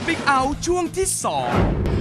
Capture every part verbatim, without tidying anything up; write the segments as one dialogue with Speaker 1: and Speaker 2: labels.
Speaker 1: Speak Out ช่วงที่สอง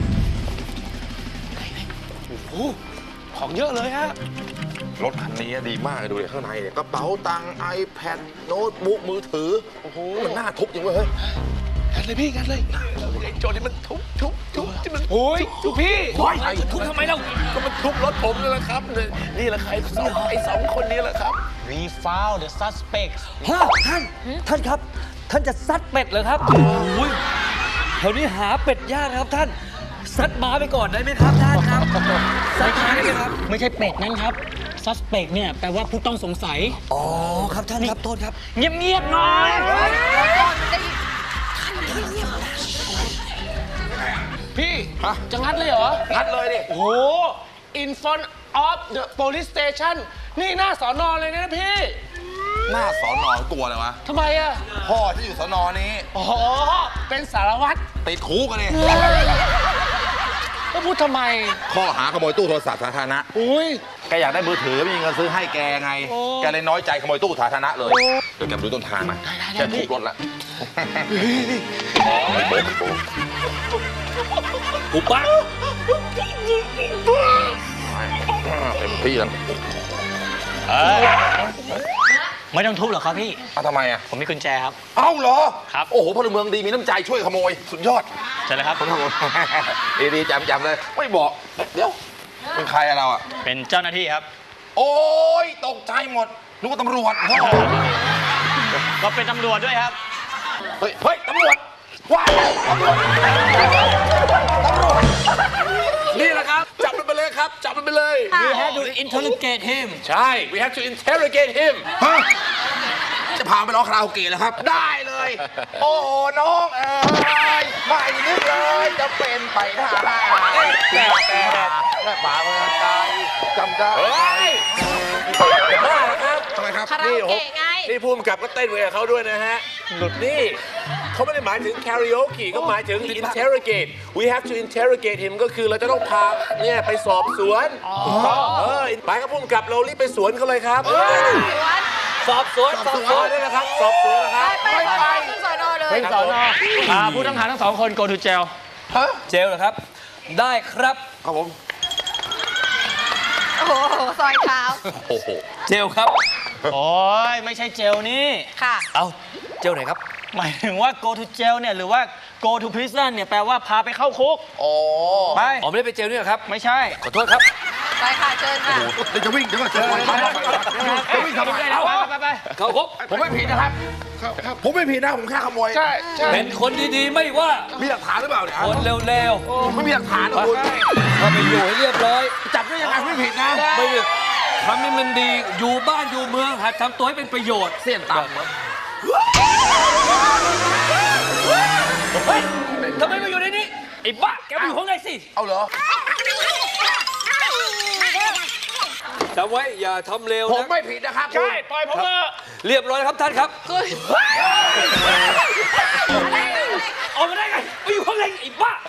Speaker 2: โอ้ของเยอะเลยฮะ
Speaker 3: รถคันนี้ดีมากเลยดูเลยข้างในเนี่ยกระเป๋าตังค์ iPad โน้ตบุ๊กมือถือโอ้โหมันน่าทุบจริงเว้ยเฮ้ย
Speaker 2: กันเลยพี่กันเลยไอ้โจรนี่มันทุบทุบทุบที่มันโอ้ยทุบพี่
Speaker 3: โอ้ย
Speaker 2: ทุบทำไมเล่าก็มันทุบรถผมนี่แหละครับนี่แหละใครสองไอ้สองคนนี้แหละครับ
Speaker 4: We found the suspects
Speaker 5: ฮะท่าน ท่านครับ ท่านจะซัดเป็ดเหรอครับ โอ้ยแถวนี้หาเป็ดยากนะครับท่าน ซัดหมาไปก่อนได้ไหมครับท่านครับ ซัดหมาได้ไหมครับ
Speaker 4: ไม่ใช่เป็ดนั่นครับ suspect เนี่ยแปลว่าผู้ต้องสงสัย
Speaker 5: อ๋อ ครับท่านครับ โทษครับ
Speaker 4: เงียบๆหน่อย
Speaker 2: พี่จะงัดเลยเหรอ
Speaker 3: งัดเลยดิ
Speaker 2: โอ้โห in front of the police station นี่หน้าสอนอเลยนะพี่
Speaker 3: หน้าสอนอกลัวเลยวะ
Speaker 2: ทำไมอ่ะ
Speaker 3: พ่อที่อยู่สอนอนี้
Speaker 2: อ๋อเป็นสารวัตร
Speaker 3: ติดคุกกันเลย
Speaker 2: ก็พูดทำไม
Speaker 3: ข้อหาขโมยตู้โทรศัพท์สาธารณะ
Speaker 2: อุ้ย
Speaker 3: แกอยากได้มือถือไม่มีเงินซื้อให้แกไง
Speaker 2: โอ้
Speaker 3: แกเลยน้อยใจขโมยตู้สาธารณะเลยเดี๋ยวแกไปดูต้นทางมาแกทุบรถละไม่โป๊ะไม่โป๊ะ
Speaker 5: กูปัก
Speaker 3: เต็มที่แล้ว
Speaker 4: ไม่ต้องทุบหรอกครับพี่
Speaker 3: อ้าวทำไมอ่ะ
Speaker 4: ผมมีกุญแจครับ
Speaker 3: เอ้าเหรอ
Speaker 4: ครับ
Speaker 3: โอ้โหพลเมืองดีมีน้ำใจช่วยขโมยสุดยอด
Speaker 4: ใช่เลยครับ
Speaker 3: คนขโมย ดีๆจำจำเลยไม่บอกเดี๋ยวเป็นใครอะเราอะ
Speaker 4: เป็นเจ้าหน้าที่ครับ
Speaker 3: โอ้ยตกใจหมดนึกว่าตำรวจ
Speaker 4: ก็เป็นตำรวจด้วยครับ
Speaker 3: เฮ้ยเฮ้ยตำรวจว้ายตำรวจตำรวจ
Speaker 2: นี่แหละครับ จับมันไปเลยครับ จับมันไปเลย
Speaker 4: We have to interrogate him
Speaker 2: ใช่ we have to interrogate him
Speaker 3: ฮะจะพาไปร้องคาราโอเกะแล้วครับ ได้เลย โอ้โหน้องเอ๋ยไม่นึกเลยจะเป็นไปได้แต่แต่แต่ป่าเมืองไกลจำได้
Speaker 2: เฮ้ยบ้าเหรอครับ
Speaker 3: ทำไมครับ
Speaker 6: คาราโอเกะไง
Speaker 2: นี่ภูมิกับก็เต้นไปกับเขาด้วยนะฮะ หลุดนี่เขาไม่ได้หมายถึง karaoke ก็หมายถึง interrogate we have to interrogate him ก็คือเราจะต้องพาเนี่ยไปสอบสวนเออไปครับภูมิกับเรารีบไปสวนเขาเลยครับ
Speaker 5: สอบสวน
Speaker 2: สอบสวนได้แล้วครับ สอบสวนนะครับ
Speaker 6: ไปไปขึ้นสอนอเลย
Speaker 4: เป็นสอนออ่าผู้ต้องหาทั้งสองคน go to jail
Speaker 5: เจลเหรอครับ ได้ครับ
Speaker 3: ครับผม
Speaker 6: โอ้โห ซอยเท้า
Speaker 3: โอ้โห
Speaker 5: เจลครับ
Speaker 4: โอ้ยไม่ใช่เจลนี่
Speaker 6: ค่ะ
Speaker 5: เอาเจลไหนครับ
Speaker 4: หมายถึงว่า go to jail เนี่ยหรือว่า go to prison เนี่ยแปลว่าพาไปเข้าคุก
Speaker 3: อ๋อ
Speaker 4: ไป
Speaker 5: อ๋อไม่ได้ไปเจลนี่เหรอครับ
Speaker 4: ไม่ใช่
Speaker 5: ขอโทษครับ
Speaker 6: ไปค่ะ เชิญค่ะ
Speaker 3: เดี๋ยวจะวิ่งเดี๋ยวก็เจอจะวิ่งทำไม
Speaker 4: ไป
Speaker 3: เอ้า
Speaker 4: ไปไป
Speaker 5: เข้าคุก
Speaker 3: ผมไม่ผิดนะครับ ผมไม่ผิดนะ ผมแค่ขโมย
Speaker 2: ใช่ใช่
Speaker 5: เป็นคนดีๆ ไม่ว่า
Speaker 3: มีหลักฐานหรือเปล่าเนี่ย
Speaker 5: คนเร็ว
Speaker 3: ผมไม่มีหลักฐานนะคุณ
Speaker 5: ๆถ้าไปอยู่ให้เรียบร้อย
Speaker 3: จับได้ยังไงไม่ผิดนะ
Speaker 5: ไม่ผิดทำให้มันดี อยู่บ้านอยู่เมืองหัดทำตัวให้เป็นประโยชน์
Speaker 3: เสี้ยนต่ำครับ
Speaker 5: เฮ้ยทำไมมาอยู่ในนี้ ไอ้บ้า แกมาอยู่ข้างในสิ
Speaker 3: เอาเหรอ
Speaker 5: จำไว้ อย่าทำเร็ว
Speaker 3: ผม
Speaker 5: นะ
Speaker 3: ไม่ผิดนะครับ
Speaker 2: ใช่ ปล่อยผมเถอะ
Speaker 5: เรียบร้อยแล้วครับท่านครับออกมาได้ไงไปอยู่ข้างในไอ้บ้า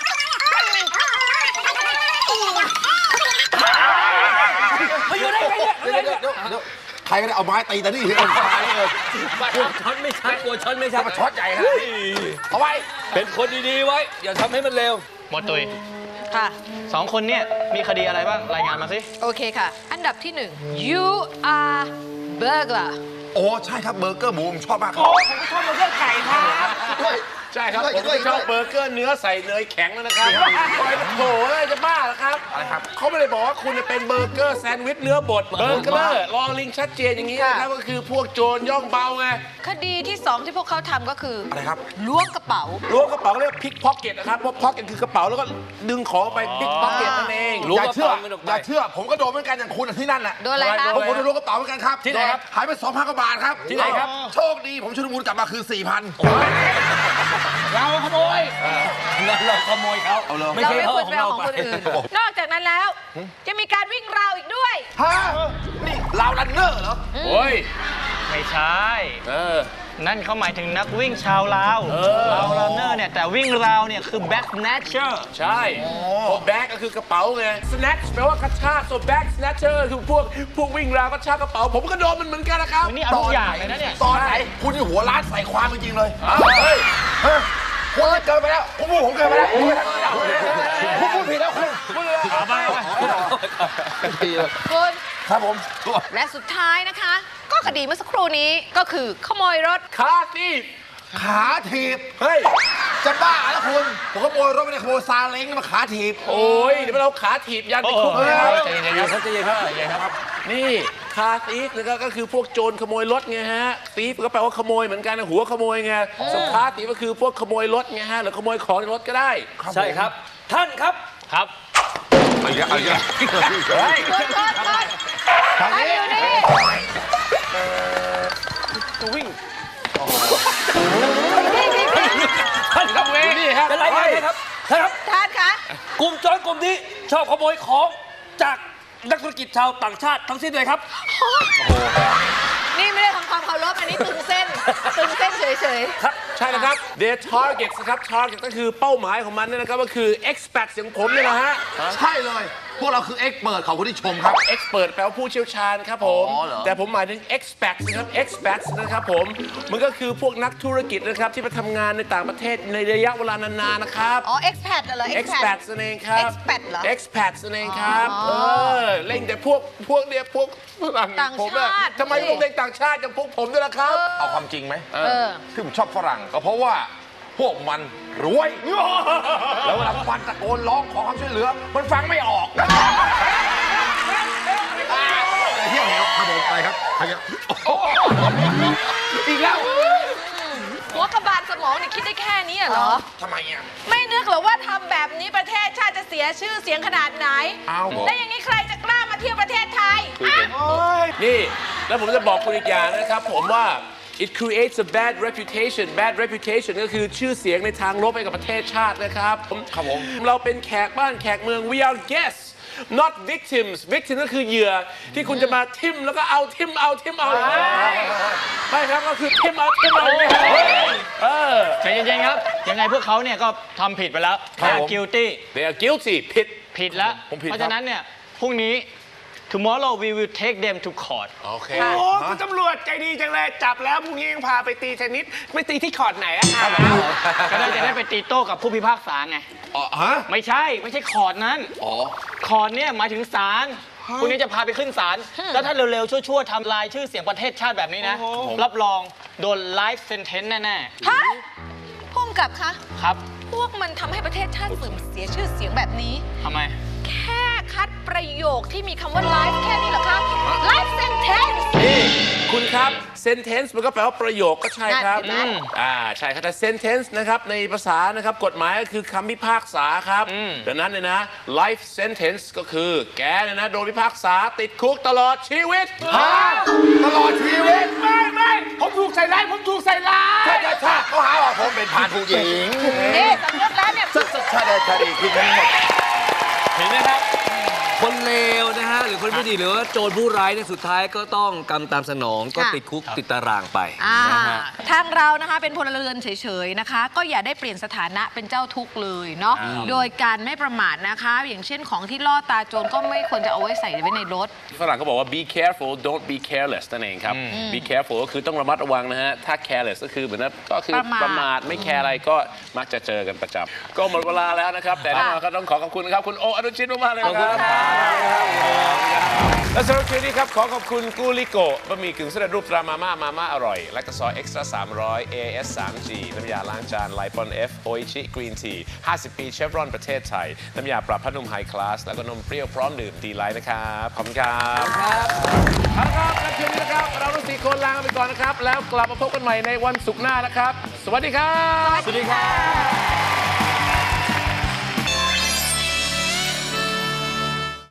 Speaker 5: มาอยู่ได้ไงเนี่ย
Speaker 3: เดี๋ยวเดี๋ยวเดี๋ยวเดี๋ยวใครก็ได้เอาไม้ตีแต่นี่ที่เอาไม้เลย
Speaker 5: กลัวช็อตไม่ชัดกลัวช็อตไม่ชัด
Speaker 3: มาช็อตใหญ่ขนาดนี้เอาไว้
Speaker 5: เป็นคนดีๆไว้ อย่าทำให้มันเร็ว
Speaker 4: หมดตุย
Speaker 6: ค่ะ
Speaker 4: สองคนเนี่ยมีคดีอะไรบ้าง รายงานมาสิ
Speaker 6: โอเคค่ะ อันดับที่หนึ่ง you are burglar
Speaker 3: โอ้ใช่ครับเบอร์เกอร์หมูผมชอบมากครับ
Speaker 2: โอ้ผมก็ชอบเบอร์เกอร์ไก่ครับใช่ครับ ผมก็ชอบเบอร์เกอร์เนื้อใส่เนยแข็งแล้วนะครับโอ้ยโถอะไรจะบ้าเหรอครับ
Speaker 3: อะไรครับ
Speaker 2: เขาไม่ได้บอกว่าคุณจะเป็นเบอร์เกอร์แซนด์วิชเนื้อบด เบอร์เกอร์ลองลิงชัดเจนอย่างนี้นะครับก็คือพวกโจรย่องเบาไง
Speaker 6: คดีที่สองที่พวกเขาทำก็คืออ
Speaker 3: อะไรครับ
Speaker 6: ล้วงกระเป๋า
Speaker 2: ล้วงกระเป๋าเรียกพิกพ็อกเก็ตนะครับเพราะพ็อกเก็ตคือกระเป๋าแล้วก็ดึงของไปพิกพ็อกเก็ตนั่นเอง
Speaker 5: ล้วง
Speaker 3: อย่าก
Speaker 5: ระ
Speaker 3: เชื่อ
Speaker 5: เป๋ามันออกไป
Speaker 3: อย่าเชื่อ ผมก็โดนเหมือนกันอย่างคุณอะที่นั่นแหละ
Speaker 6: โดนอะไรคะ
Speaker 3: ผมผมโดนล้วงกระเป๋าเหมือนกันครับ
Speaker 5: ที่ไหนครับ
Speaker 3: หายไปสองพันกว่าบาทครับ
Speaker 5: ที่ไหนครับ
Speaker 3: โชคดีผมชุลมุนกลับมาคือสี่พัน
Speaker 2: เราขโมย
Speaker 5: งั้นเราขโมยเขา
Speaker 3: เอาเลย
Speaker 5: ไม่
Speaker 6: เรา
Speaker 5: ใช่
Speaker 6: ไม่
Speaker 5: เขา
Speaker 6: ควร
Speaker 5: ของ
Speaker 6: ไปเอา
Speaker 5: เรา
Speaker 6: ของ
Speaker 5: ไป
Speaker 6: คนอื่น นอกจากนั้นแล้ว จะมีการวิ่งราวอีกด้วย
Speaker 3: ฮะนี่ลาวรันเนอร์เหรอ
Speaker 2: โอ้ย
Speaker 4: ไม่ใช่
Speaker 2: เออ
Speaker 4: นั่นเขาหมายถึงนักวิ่งชาวลาวลาวรันเนอร์เนี่ย แต่วิ่งราวเนี่ยคือ back snatcher
Speaker 2: ใช่พวกแบ็กก็คือกระเป๋าไง snatch แปลว่ากระชาก so back snatcher คือพวกพวกวิ่งราวกระชากกระเป๋า ผมก็โดนมันเหมือนกันนะครับ
Speaker 4: นี่เอาทุกอย่างเลยนะเนี่ย
Speaker 3: ตอนไหนคุณนี่หัวร้านใส่ความจริงๆเลย
Speaker 2: อ้าวเฮ้ย
Speaker 3: ฮะคุณเกินไปแล้วผมพูดผมเกินไปแล้วผมพูดผิดแล้วคุณพูดเลย
Speaker 2: เอาไปเอาไป
Speaker 6: คุณ
Speaker 3: ครับผม
Speaker 6: และสุดท้ายนะคะ ก็คดีเมื่อสักครู่นี้ก็คือขโมยรถ
Speaker 2: คาตีฟ
Speaker 3: ขาถีบ
Speaker 2: เฮ้ย
Speaker 3: จะบ้าแล้วคุณผมขโมยรถไม่ได้ขโมยซาเล้งมาขาถีบ
Speaker 2: โอ้ยเดี๋ยวเราขาถีบยันไปคุกนะครับ
Speaker 5: ใจเย็นครับใจเย็นครับใจเย็นครับ
Speaker 2: นี่คาตีฟนะครับก็คือพวกโจรขโมยรถไงฮะตีฟก็แปลว่าขโมยเหมือนกันนะหัวขโมยไงส่วนคาตีฟก็คือพวกขโมยรถไงฮะหรือขโมยของในรถก็ได้
Speaker 5: ใช่ครับ ท่านครับ
Speaker 4: ครับ
Speaker 3: เอาอีกแล้วเอาอีกแล้ว
Speaker 2: เฮ้ย
Speaker 6: คุณคุณคุณ
Speaker 3: ทาง
Speaker 6: ไอ้
Speaker 3: นี้
Speaker 6: อยู่นี่ นี่นี่นี่
Speaker 5: ท่านครับ
Speaker 2: นี่ครับ
Speaker 5: เป็นไรกันครับท่านครับ
Speaker 6: ท่านคะ
Speaker 5: กลุ่มโจรกลุ่มนี้ชอบขโมยของจากนักธุรกิจชาวต่างชาติทั้งสิ้นเลยครับ
Speaker 6: นี่ไม่ได้ทำความเคารพอันนี้ตึงเส้น ตึงเส้นเฉย
Speaker 2: ใช่นะครับ their targets นะครับ target ก็คือเป้าหมายของมันเนี่ยนะครับก็คือ expert อย่างผมเนี่ยนะฮะ
Speaker 3: ใช่เลย พวกเราคือเอ็กเปิดของคุณที่ชมครับ
Speaker 2: expert แปลว่าผู้เชี่ยวชาญครับผม
Speaker 3: อ๋อเหรอ
Speaker 2: แต่ผมหมายถึง expat นะครับ expat นะครับผมมันก็คือพวกนักธุรกิจนะครับที่ไปทำงานในต่างประเทศในระยะเวลานานๆนะครับ
Speaker 6: ๆ อ๋อ expat เหรอ
Speaker 2: expat นั่นเองครับ
Speaker 6: expat เหรอ
Speaker 2: expat นั่นเองครับ
Speaker 6: อ๋อ
Speaker 2: เออเล่นแต่พวกพวกเนี่ยพวกฝรั่ง
Speaker 6: ต่าง
Speaker 2: ผมอะ
Speaker 6: ชาติ
Speaker 2: ทำไมต้องเล่นต่างชาติอย่างพวกผมด้วยล่ะครับ
Speaker 3: เอาความจริงไหม
Speaker 6: เออ
Speaker 3: ที่ผมชอบฝรั่งก็เพราะว่าพวกมันรวย แล้วเวลามันตะโกนร้องขอความช่วยเหลือ มันฟังไม่ออกเที่ยวเหวครับผมไปครับไปครับอีกแล้ว
Speaker 6: หัวกระบาลสมองเนี่ยคิดได้แค่นี้เหรอ
Speaker 3: ทำไมอ่ะ
Speaker 6: ไม่นึกหรอว่าทำแบบนี้ประเทศชาติจะเสียชื่อเสียงขนาดไหน
Speaker 3: เอาเหรอ
Speaker 6: แล้วอย่างนี้ใครจะกล้ามาเที่ยวประเทศไทยอ่ะ
Speaker 2: นี่ แล้วผมจะบอกคุณอีกอย่างนะครับผมว่า it creates a bad reputation bad reputation ก็คือชื่อเสียงในทางลบให้กับประเทศชาตินะครับครับผมเราเป็นแขกบ้านแขกเมือง we are guests not victims victim ก็คือเหยื่อที่คุณจะมาทิมแล้วก็เอาทิมเอาทิมเอาไม่ครับก็คือทิมเอาทิมเอาไม่ครับเออ
Speaker 4: ใจเย็นๆครับ ยังไงพวกเขาเนี่ยก็ทำผิดไปแล้ว
Speaker 2: ครับ
Speaker 4: they
Speaker 2: ผม
Speaker 4: are guilty
Speaker 2: they are guilty ผิด
Speaker 4: ผิดแล้ว
Speaker 2: ผมผิด
Speaker 4: เพราะฉะนั้นเนี่ยพรุ่งนี้ tomorrow we will take them to court
Speaker 2: โอเค
Speaker 7: โอ้คุณตำรวจใจดีจังเลย จับแล้วพรุ่งนี้ยังพาไปตีเทนนิสไปตีที่คอร์ดไหนอะคะ
Speaker 4: ก็ได้จะได้ไปตีโต้กับผู้พิพากษาไง
Speaker 3: อ๋อฮะ
Speaker 4: ไม่ใช่ ไม่ใช่คอร์ดนั้น
Speaker 3: อ๋อ
Speaker 4: คอร์ดเนี่ยหมายถึงศาลพรุ่งนี้จะพาไปขึ้นศาลแล้วถ้าเร็วๆ ชั่วๆทำลายชื่อเสียงประเทศชาติแบบนี้นะ รับรองโดน life sentence แน่
Speaker 6: ฮะพุ่มกับคะ
Speaker 4: ๆ ครับ
Speaker 6: พวกมันทำให้ประเทศชาติเสื่อมเสียชื่อเสียงแบบนี้
Speaker 4: ทำไม
Speaker 6: แค่คัดประโยคที่มีคำว่า life แค่นี้เหรอคะ life sentence
Speaker 2: นี่คุณครับ sentence มันก็แปลว่าประโยคก็ใช่ครับ
Speaker 6: นั่น
Speaker 2: อ่าใช่ครับแต่ sentence นะครับในภาษานะครับกฎหมายก็คือคำพิพากษาครับดังนั้นเนี่ยนะ life sentence ก็คือแกเนี่ยนะโดนพิพากษาติดคุกตลอดชีวิต
Speaker 3: ตลอดชีวิต
Speaker 7: ไม่ไม่ผมถูกใส่ร้ายผมถูกใส่ร้าย
Speaker 3: ใช่ใช่ใช่เขาหาว่าผมเป็นผ่านผู้หญิง
Speaker 6: นี่สำนึกแล้วเนี่ย
Speaker 3: ใช่ใช่ใช่ใช่คือทั้งหมด
Speaker 5: เห็นไหมครับ คนเลวนะฮะ หรือคนไม่ดีหรือว่าโจรผู้ร้ายเนี่ยสุดท้ายก็ต้องกรรมตามสนองก็
Speaker 6: ค่ะ
Speaker 5: ติดคุกติดตารางไป
Speaker 6: อ่า
Speaker 5: นะฮะ
Speaker 6: ทางเรานะคะเป็นพลเรือนเฉยๆนะคะ ก็อย่าได้เปลี่ยนสถานะเป็นเจ้าทุกข์เลยเนาะโดยการไม่ประมาทนะคะ อย่างเช่นของที่ล่อตาโจรก็ไม่ควรจะเอาไว้ใส่ไว้ในรถ
Speaker 2: ฝรั่งก็บอกว่า be careful don't be careless นั่นเองครับ be careful ก็คือต้องระมัดระวังนะฮะ ถ้า careless ก็คือเหมือนนะก็คือ
Speaker 6: ประมาท
Speaker 2: ประมาทไม่แคร์อะไรก็มักจะเจอกันประจำก็หมดเวลาแล้วนะครับ แต่แน่นอนก็ต้องขอขอบคุณนะครับ คุณโออนุชิตมากๆเลยนะครับและสำหรับคืนนี้ครับ ขอขอบคุณกูลิโกบะหมี่กึ่งสำเร็จรูปตรามาม่ามาม่าอร่อย และกระซอยเอ็กซ์ตร้าสามร้อย เอ เอส ทรี จี น้ำยาล้างจานไลปอน F โออิชิกรีนทีห้าสิบปีเชฟรอนประเทศไทย น้ำยาปรับผ้านุ่มไฮคลาส แล้วก็นมเปรี้ยวพร้อมดื่มดีไลท์นะครับ ขอบคุณครับเอาละครับและคืนนี้นะครับ เราทั้งสี่คนลาไปก่อนนะครับ แล้วกลับมาพบกันใหม่ในวันศุกร์หน้านะครับ สวัสดีครับ
Speaker 6: สวัสดีค่ะ